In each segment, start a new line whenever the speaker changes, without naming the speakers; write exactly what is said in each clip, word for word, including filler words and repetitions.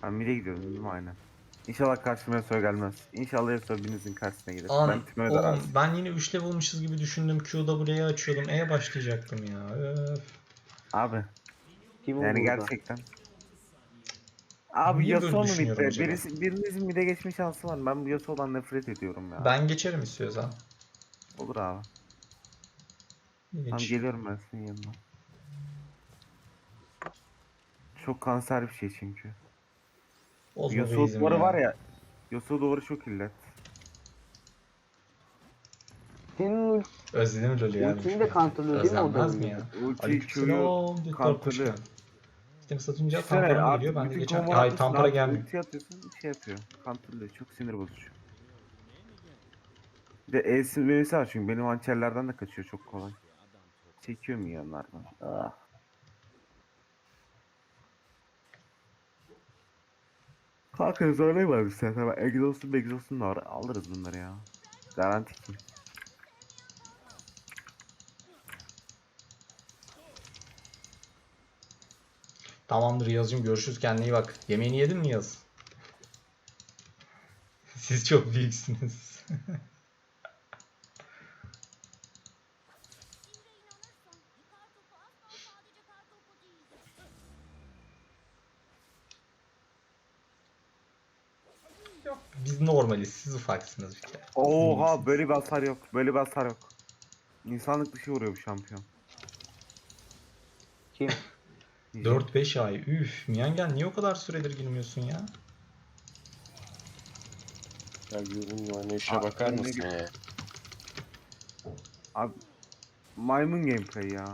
Ben mid'e gidiyorum değil mi? Aynen. İnşallah karşıma Yasuo gelmez. İnşallah Yasuo birinizin karşısına gelir.
An
Ben Timo'ya da
oğlum
razıyım.
ben yine üç level'mışız gibi düşündüm. Q W'ye açıyordum. E başlayacaktım ya. Öf.
Abi
Kim
yani
burada?
gerçekten. Abi
Niye böyle
Yasuo mu
düşünüyorum
mid'de?
acaba?
Birisi, birinizin mid'e geçme şansı var. Ben bu Yasuo'dan nefret ediyorum ya.
Ben geçerim istiyorsan.
Olur abi. Tamam
Geç.
geliyorum ben senin yanına. Çok kanser bir şey çünkü.
Bozma
Yasuo
base'imi
duvarı var
ya.
ya. Yasuo duvarı çok illet.
Senin ult
Özledim LoL'ü ya.
ultini de counterlıyor değil mi o
Özlenmez mi
W'de?
ya?
Ulti Q'yu
Aleykümselam. Discord hoş
counterlıyor.
geldin. İşte satınca
Düşünsene
Tampara mı geliyor?
artık
Ben de
bütün
geçen...
combo
Ay
atmışsın
Tampara
artık
gelmiyor.
ulti atıyorsun şey yapıyor. Counterlıyor. Çok sinir bozucu. Bir de E'si V'si var çünkü benim hançerlerden de kaçıyor çok kolay. Çekiyor mu yanlardan? Ah. Kanka zorlayı var bir sen. Tamam. Exhaust'un Exhaust'un da var. Alırız bunları ya. Garanti ki.
Tamamdır Yaz'cığım, görüşürüz, kendine iyi bak. Yemeğini yedin mi Yaz? Siz çok büyüksünüz. Biz normaliz, siz ufaksınız bir kere.
Oha böyle bir hasar yok. Böyle bir hasar yok. İnsanlık dışı vuruyor bu şampiyon.
Kim?
Diyeceğim.
dört beş ay. Üf, Miyangen niye o kadar süredir girmiyorsun ya?
Ya ürün oynayışa
Aa,
bakar
önüne
mısın
git.
ya?
Abi maymun gameplay ya.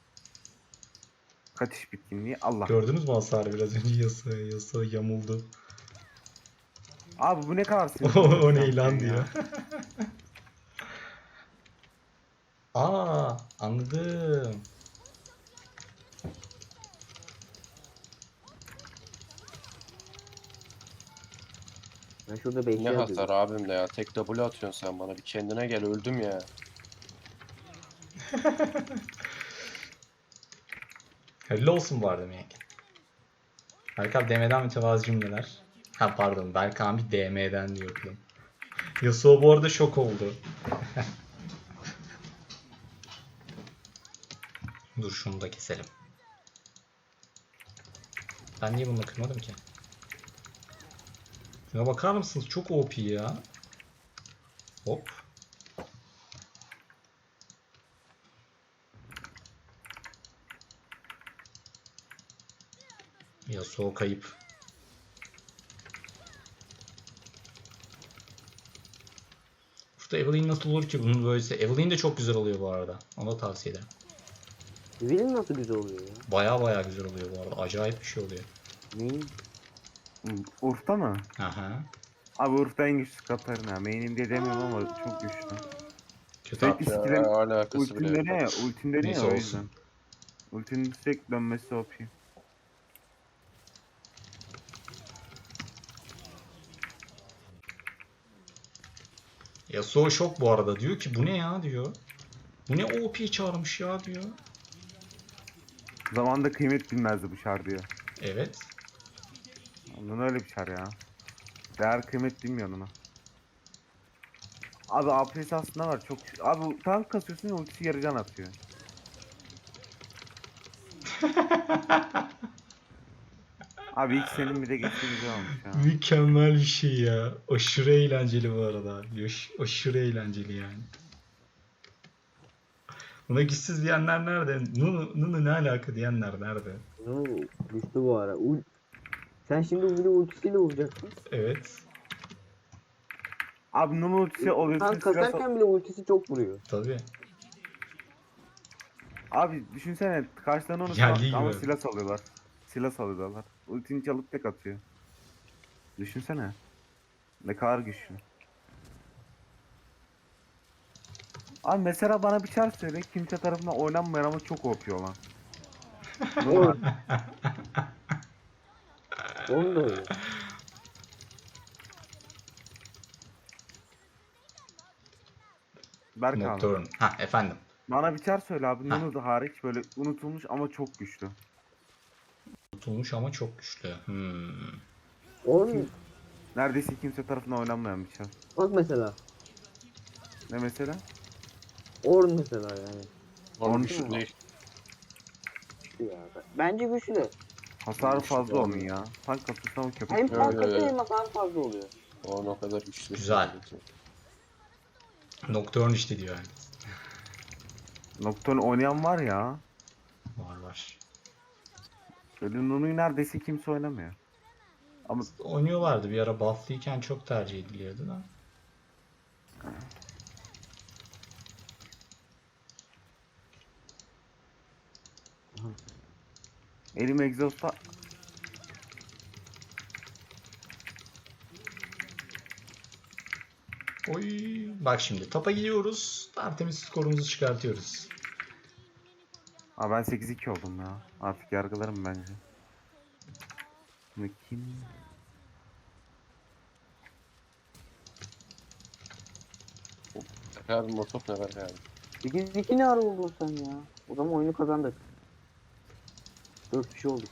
Kaçış bitkinliği Allah.
Gördünüz mü hasarı biraz önce Yasuo, Yasuo yamuldu.
Abi bu ne kadar sinir
O,
bozucu
o
bir
ne lan
şampiyon
diyor.
ya.
Aa, anladım.
Ben şurada
Ne
beşli
hasar
atıyorum.
abim de ya. Tek W atıyorsun sen bana. Bir kendine gel, öldüm ya.
Hayırlı olsun bu arada Miyangen. Berkan D M'den mütevazi cümleler. Ha pardon, Berkan bir D M'den diyordum. Yasuo bu arada şok oldu. Dur şunu da keselim. Ben niye bunu kırmadım ki? Şuna bakar mısınız? Çok O P ya. Hop. Yasuo kayıp. Burada Evelynn nasıl olur ki bunun böylesi? Evelynn de çok güzel oluyor bu arada. Onu da tavsiye ederim.
Evelyn nasıl güzel oluyor ya?
Baya baya güzel oluyor bu arada. Acayip bir şey oluyor.
Neyin?
Urf'ta mı?
Aha.
Abi Urf'ta en güçlü Katarina. Main'im diye demiyorum ama çok güçlü.
Kötü
Sürekli
at.
Ya
skill'in
alakası
ultin
bile yok.
dönüyor ya. Ultin dönüyor
Neyse
ya o
olsun.
yüzden. Ultinin sürekli dönmesi O P.
Yasuo şok bu arada. Diyor ki bu ne ya diyor. Bu ne O P çağırmış ya diyor.
Zamanında kıymet bilmezdi bu şar diyor.
Evet.
Ondan öyle bir şar ya. Değer kıymet bilmiyor ona. Abi A P S aslında var çok. Abi tank kasıyorsun ultisi yarı can atıyor. Abi ilk senin bir de geçti güzel olmuş ya.
Mükemmel bir şey ya. Aşırı eğlenceli bu arada. Yaş- Aşırı eğlenceli yani. Buna güçsüz diyenler nerede? Nunu, Nunu ne alaka diyenler nerede?
Oo, düştü bu ara. Ul Sen şimdi bir de ultisiyle vuracaksın.
Evet.
Abi Nunu ultisi oluyorsun
Tank
silah al-
kasarken bile ultisi çok vuruyor.
Tabii.
Abi düşünsene karşıdan onu
Geldiği
sal- ama
gibi.
silah salıyorlar. Silah salıyorlar. Ultini çalıp tek atıyor. Düşünsene. Ne kadar güçlü. Abi mesela bana bir çar söyle kimse tarafından oynanmayan ama çok O P olan.
Evet. Onun da öyle.
Berk abi.
Nocturne. Ha efendim.
Bana bir çar söyle abi.
Ha.
Nunu da hariç böyle unutulmuş ama çok güçlü.
Tutulmuş ama çok güçlü. Hmm.
Orn
Neredeyse kimse tarafından oynanmayan bir çar.
bak mesela.
Ne mesela?
Orn mesela yani.
Onun
Onun
güçlü
şu-
değil.
Ya, bence güçlü.
Hasarı
Güçlü
fazla
bu
onun
arada.
ya. Tank kasıyorsun ama köpek.
Hem
Yo,
tank
yo,
atıyor
yo.
hem hasar fazla oluyor.
Onun o kadar güçlü.
Güzel. Nocturne işte diyor yani.
Nocturne oynayan var ya.
Var var.
Böyle Nunu'yu neredeyse kimse oynamıyor. Ama
Oynuyorlardı bir ara bufflıyken çok tercih ediliyordu da.
elim egzosta
Oy. Bak şimdi topa gidiyoruz. Tertemiz skorumuzu çıkartıyoruz.
Aa, ben sekiz iki oldum ya. Artık yargılarım bence. Şimdi kim?
Abi motor ne var yani?
sekiz iki ne ara oldun sen ya? O zaman oyunu kazandık. dört kişi olduk.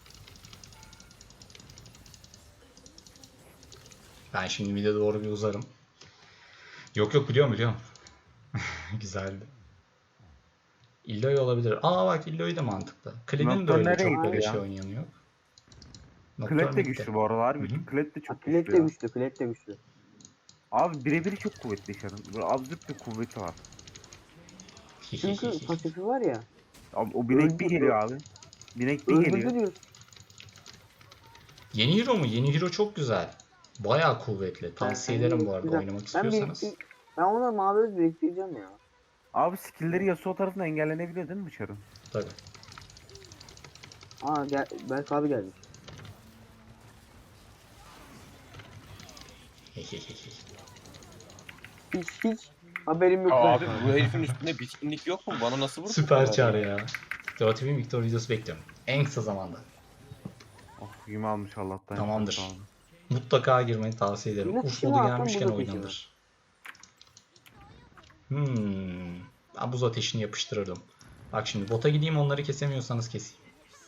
Ben şimdi mid'e doğru bir uzarım. Yok yok biliyorum biliyorum. Güzeldi. Illoy olabilir. Aa bak Illoy da mantıklı. Klid'in de
Nocturne
öyle
nereye
çok
gitti
böyle
ya?
şey oynayanı yok.
Klet de
Nocturne
güçlü
gitti.
bu aralar.
Hı hı.
Klet de çok
Klet
güçlü
de
ya.
güçlü, klet de güçlü.
Abi birebir çok kuvvetli Şarın. Böyle absürt bir kuvveti var.
Çünkü pasifi var ya.
Abi, o binek bir
Öldü-
geliyor abi. Binek bir
Öldürdü
geliyor.
diyorsun.
Yeni hero mu? Yeni hero çok güzel. Bayağı kuvvetli. Tavsiye
Ben-
ederim bu arada
güzel.
oynamak
Ben
istiyorsanız.
biriktir- Ben ona mavi öz biriktireceğim ya.
Abi skill'leri Yasuo tarafından engellenebiliyor değil mi Şarın?
Tabii.
Aa gel, Berk abi gelmiş. Hiç hiç haberim yok
Ya
Berk
abi
abi.
bu herifin üstünde bitkinlik yok mu? Bana nasıl vurdu? bu
Süper
kadar
çağrı
ya?
ya. Dota T V Victor videosu bekliyorum. En kısa zamanda.
Oh yumi almış Allah'tan.
Tamamdır.
Sağ olun.
Mutlaka girmeyi tavsiye ederim.
Yine
Uf
kişi mi
modu
alsam,
gelmişken
buz ateşi mi?
oynanır. Hmm. Ben buz ateşini yapıştırırdım. Bak şimdi bota gideyim onları kesemiyorsanız keseyim.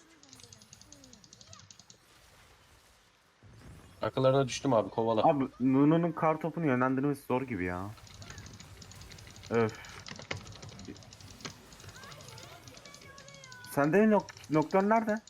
Akıllarına düştüm abi kovala.
Abi Nunu'nun kar topunu yönlendirmesi zor gibi ya. Öf. Sende nok Nocturne nerede?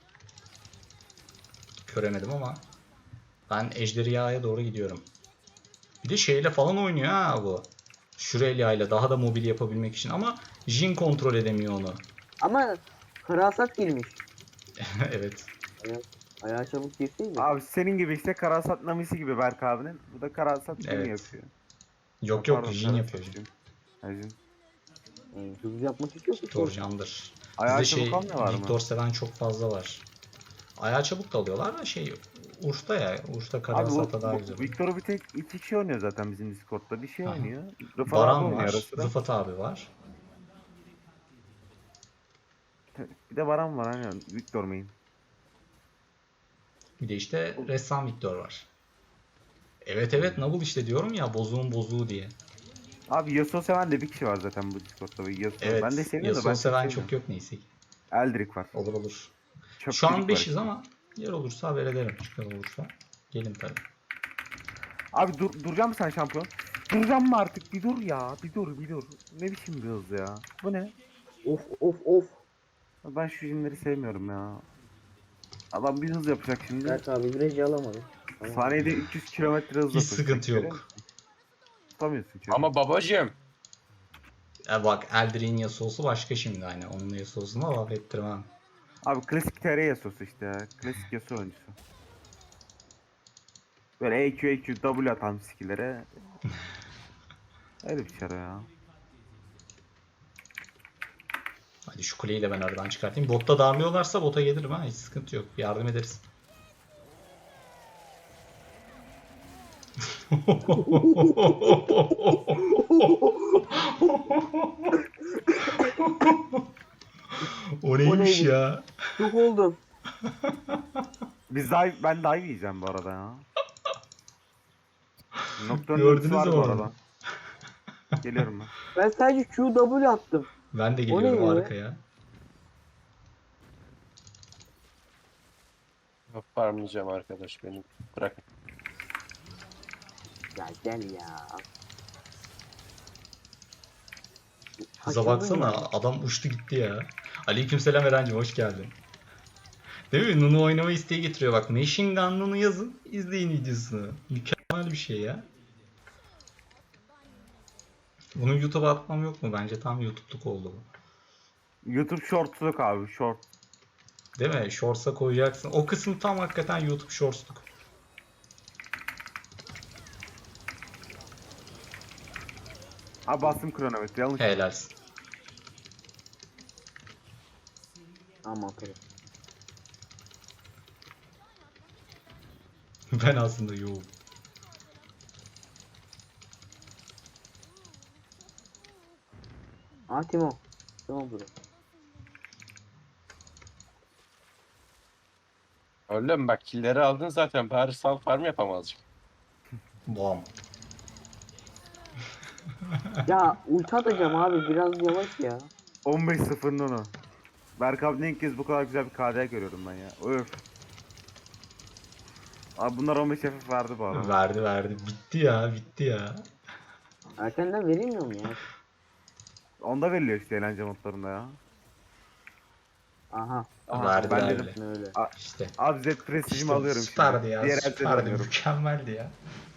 Göremedim ama. Ben Ejderhaya doğru gidiyorum. Bir de şeyle falan oynuyor ha bu. Şurelya ile daha da mobil yapabilmek için ama Jhin kontrol edemiyor onu.
Ama karasat girmiş.
Evet.
Ayağı çabuk girseydi.
Abi senin gibi işte Karasat Namisi gibi Berk abinin. Bu da Karasat Jhin
Evet.
yapıyor.
Yok
Ha,
yok
pardon,
Jhin
Karasat
yapıyor. Jhin.
Jhin. Ha, Jhin.
Yani hızlı yapmak istiyor ki.
Victor Can'dır.
Ayağı
Bizde şey
çabuk almıyorlar mı?
Victor seven çok fazla var. Ayağı çabuk da alıyorlar da şey Urf'ta ya. Urf'ta
Abi
Karasat'a
bu,
daha
bu
güzel. oluyor.
Victor'u bir tek iki kişi oynuyor zaten bizim Discord'da. Bir şey
Aha.
oynuyor. Rıfat abi
Baran
oynuyor ara
var.
sıra.
Rıfat abi var.
Bir de Baran var hani Victor main.
Bir de işte ressam Victor var. Evet evet Nabul işte diyorum ya bozuğun bozuğu diye.
Abi Yasuo seven de bir kişi var zaten bu Discord'da. Yasuo.
Evet.
Ben de seviyorum da
Yasuo
ben
seven
çok
çok
sevmiyorum.
yok neyse ki.
Eldrick var.
Olur olur.
Çöpçülük
Şu an
var
beşiz
işte.
ama yer olursa haber ederim çıkan olursa. Gelin tabii.
Abi dur, duracağım mı sen şampiyon? Duracağım mı artık? Bir dur ya. Bir dur bir dur. Ne biçim bir hız ya? Bu ne?
Of of of.
Ben şu jinleri sevmiyorum ya. Adam bir hız yapacak şimdi.
Berk abi virajı alamadı. Tamam.
Saniyede üç yüz kilometre hızla
Hiç sıkıntı yok.
Tutamıyorsun çünkü.
Ama babacığım.
E bak Eldrin Yasuo'su başka şimdi hani. Onun Yasuo'suna laf ettirmem.
Abi klasik T R Yasuo'su işte ya. Klasik Yasuo oyuncusu. Böyle E Q E Q W atan skill'lere. Öyle bir şey ya.
Hadi şu kuleyi de ben aradan çıkartayım. Botta darlıyorlarsa bota gelirim ha. Hiç sıkıntı yok. Yardım ederiz. O neymiş
neydi?
ya?
Çok oldum.
Biz dive, ben dive yiyeceğim bu arada ya. Nocturne
Gördünüz
ultisi var
mü
bu
onu?
arada. Geliyorum ben.
Ben sadece Q W attım.
Ben de
O
geliyorum
ne ya?
arkaya.
Farmlayacağım arkadaş benim. Bırakın.
Ya gel ya.
Kıza
Şaşırdım
baksana,
ya.
adam uçtu gitti ya. Aleykümselam Eren'cim, hoş geldin. Değil mi? Nunu oynama isteği getiriyor. Bak, Machine Gun Nunu yazın, izleyin videosunu. Mükemmel bir şey ya. Bunu YouTube'a atmam yok mu? Bence tam YouTube'luk oldu bu.
YouTube shortsluk abi short.
Değil mi? Shorts'a koyacaksın. O kısım tam hakikaten YouTube Shorts'luk.
Abi bastım kronometre yanlış.
Helalsin.
Aman tabii.
Ben aslında yoğum.
Aa Timo. Tamam bro.
Öyle mi? Bak killleri aldın zaten. Bari sal farm yap ama azıcık.
Bam.
Ya ulti atacağım abi biraz yavaş ya.
on beş sıfır Nunu. Berk abi ilk kez bu kadar güzel bir K D görüyorum ben ya. Öf. Abi bunlar on beş F F verdi bu arada.
Verdi verdi. Bitti ya, bitti ya.
Erkenden verilmiyor mu ya?
Onda veriliyor işte eğlence modlarında ya.
Aha.
Aha,
Verdi
ben
verdi.
dedim.
Ne öyle.
İşte.
Abi Z prestijimi
İşte
alıyorum
süperdi
şimdi.
ya,
Diğer elde
süperdi,
dönüyorum.
mükemmeldi ya.